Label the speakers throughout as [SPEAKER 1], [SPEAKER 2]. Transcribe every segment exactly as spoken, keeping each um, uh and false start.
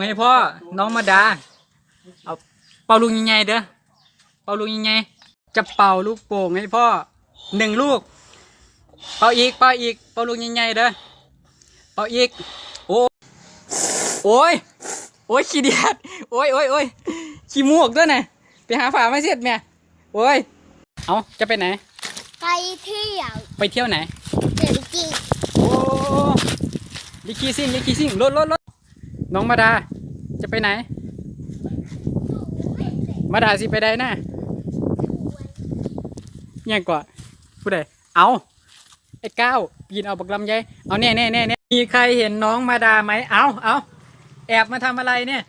[SPEAKER 1] ให้พ่อน้องมาดาเอาเป่าลูกใหญ่ๆเด้อเป่าลูกใหญ่ๆจะเป่าลูกโป่งให้พ่อหนึ่งลูกเป่าอีกเป่าอีกเป่าลูกใหญ่ๆเด้อเป่าอีกโอ้โอ้ยโอ้ยขี้เดียดโอ้ยโอ้ยโอ้ยขี้มูกด้วยนะไปหาฝาไม่เสร็จแม่โอ้ยเอาจะไปไหน
[SPEAKER 2] ไปเที่ยว
[SPEAKER 1] ไปเที่ยวไหน
[SPEAKER 2] เดินจริง
[SPEAKER 1] โอ้ลิคีซิ่งลิคีซิ่งรถรถรถน้องมาดาจะไปไหนมาดาสิไปได้นะยังกว่าผู้ใดเอาไอ้ก้าวปีนเอาบักลำไยเอาแน่แน่แน่แน่มีใครเห็นน้องมาดาไหมเอาเอาแอบมาทำอะไรเนี่ย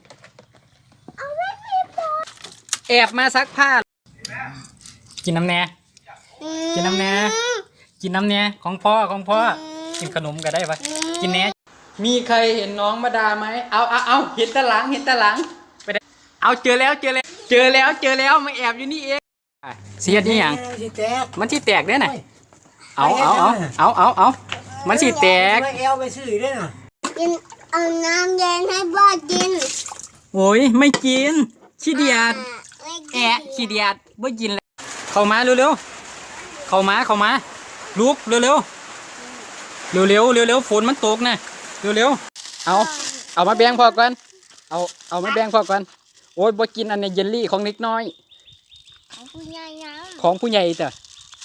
[SPEAKER 1] แอบมาซักผ้ากินน้ำแน่กินน้ำแน่กินน้ำแน่ของพ่อของพ่อกินขนมก็ได้ปะกินแน่มีใครเห็นน้องมาดาไหมเอาเอาเอาเห็นตะหลังเห็นตะหลังไปได้เอาเจอแล้วเจอแล้วเจอแล้วเจอแล้วมาแอบอยู่นี่เองเสียดนี่ยังมันที่แตกเนี่ยน่ะเอาเอาเอาเอาเอาเอามันที่แตก
[SPEAKER 3] ไม่เอวไปซื้อด้วยน่ะ
[SPEAKER 2] กินเอาน้ำเย็นให้พ่อกิน
[SPEAKER 1] โอ้ยไม่กินขี้เดียดแอะขี้เดียดไม่กินแล้วเข้ามาเร็วเร็วเข้ามาเข้ามาลุกเร็วเร็วเร็วเร็วเร็วเร็วฝนมันตกนะเร็วเร็วเอาเอามาแบ่งพอก่อนเอาเอามาแบ่งพอก่อนโอ้ยบ่กินอันนี้เยลลี่ของเล็กน้อย
[SPEAKER 2] ของผู้ใหญ่นะ
[SPEAKER 1] ของผู้ใหญ่จ้ะ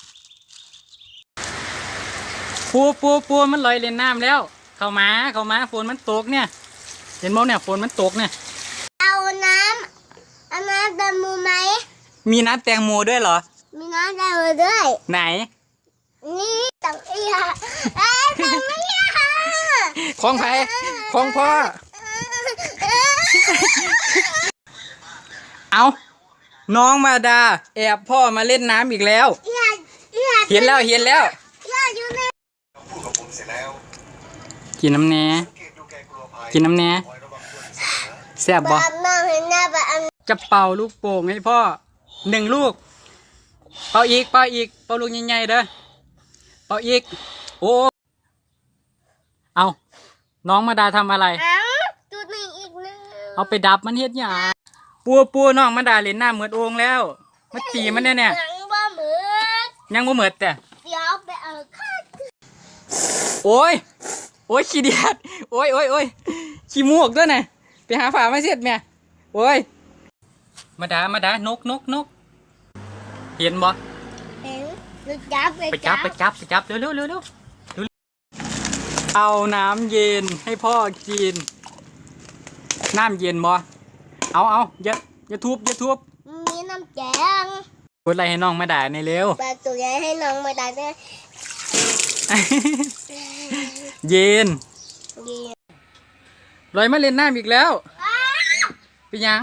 [SPEAKER 1] ปูปูปูมันลอยเล่นน้ำแล้วเข้ามาเข้ามาฝนมันตกเนี่ยเห็นมั้ยเนี่ยฝนมันตกเนี่ย
[SPEAKER 2] เอาน้ำเอาน้ำแตงโมไหม
[SPEAKER 1] มีน้ำแตงโมด้วยเหรอ
[SPEAKER 2] มีน้ำแตงโมด้วย
[SPEAKER 1] ไหน
[SPEAKER 2] นี่ตังอีห่าเอ้ยตังอีห่า
[SPEAKER 1] ของใครของพ่อเอาน้องมาดาแอบพ่อมาเล่นน้ำอีกแล้วเห็นแล้วเห็นแล้วกินน้ำแหน่กินน้ำแหน่แซ่บบ่จะเป่าลูกโป่งให้พ่อหนึ่งลูกเป่าอีกเป่าอีกเป่าลูกใหญ่ๆเด้อเป่าอีกโอ้เอาน้องมาดาทำอะไร
[SPEAKER 2] จุดหนึ่งอีกนึง
[SPEAKER 1] เอาไปดับมันเฮ็ดหยังปัวปัวน้องมาดาเล่นน้ำเหมือนโอ่งแล้วมาตีมันเนี่ยเนี่ย
[SPEAKER 2] ยังบ่เหมือด
[SPEAKER 1] ยังบ่เหมือดแต่
[SPEAKER 2] เดี๋ยวไปเอาข้าว
[SPEAKER 1] โอ้ยโอ้ยขี้เดียดโอ้ยโอ้ยโอ้ยขี้มูกด้วยนะไปหาฝาไม่เสร็จแม่โอ้ยมาดามาดานกนกนกเห็นบ่
[SPEAKER 2] เห็นไปจับ
[SPEAKER 1] ไปจับไปจับไปจับเร็วเร็วเร็วเร็วเอาน้ำเย็นให้พ่อกินน้ำเย็นบ่เอาเอาอย่าอย่าทุบอย่าทุบ
[SPEAKER 2] มีน้ำแกง
[SPEAKER 1] พูดอะไรให้น้องมาด่าในเร็ว
[SPEAKER 2] ปลาตัวใหญ่ให้น้องมาด่าเนี่ย
[SPEAKER 1] เย็นลอยมาเล่นน้ำอีกแล้วเป็นยัง